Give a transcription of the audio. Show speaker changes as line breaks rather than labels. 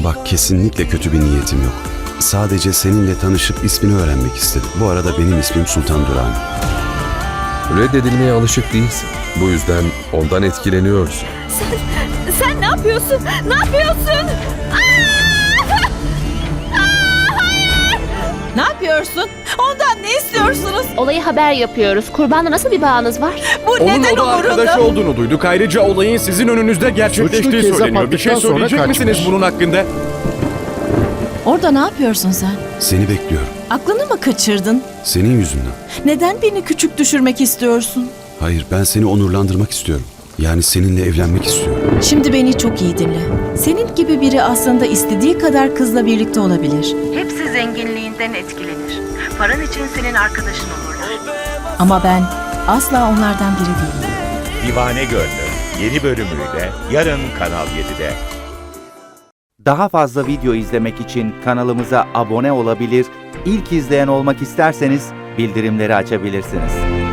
Bak, kesinlikle kötü bir niyetim yok. Sadece seninle tanışıp ismini öğrenmek istedim. Bu arada benim ismim Sultan Duran.
Reddedilmeye alışık değilsin. Bu yüzden ondan etkileniyorsun.
Sen ne yapıyorsun? Ne yapıyorsun?
Ne yapıyorsun? Ondan ne istiyorsunuz?
Olayı haber yapıyoruz. Kurbanla nasıl bir bağınız var?
Bu
Onun
neden
oda arkadaşı
umurunda?
olduğunu duyduk. Ayrıca olayın sizin önünüzde gerçekleştiği
Suçlu
söyleniyor. Bir şey
kezzap attıktan
söyleyecek
sonra
misiniz
kaçmış.
bunun hakkında?
Orada ne yapıyorsun sen?
Seni bekliyorum.
Aklını mı kaçırdın?
Senin yüzünden.
Neden beni küçük düşürmek istiyorsun?
Hayır, ben seni onurlandırmak istiyorum. Yani seninle evlenmek istiyorum.
Şimdi beni çok iyi dinle. Senin gibi biri aslında istediği kadar kızla birlikte olabilir.
Hepsi zenginliğinden etkilenir. Paran için senin arkadaşın olurlar.
Ama ben asla onlardan biri değilim.
Divane Gönlüm yeni bölümüyle yarın Kanal 7'de.
Daha fazla video izlemek için kanalımıza abone olabilir, ilk izleyen olmak isterseniz bildirimleri açabilirsiniz.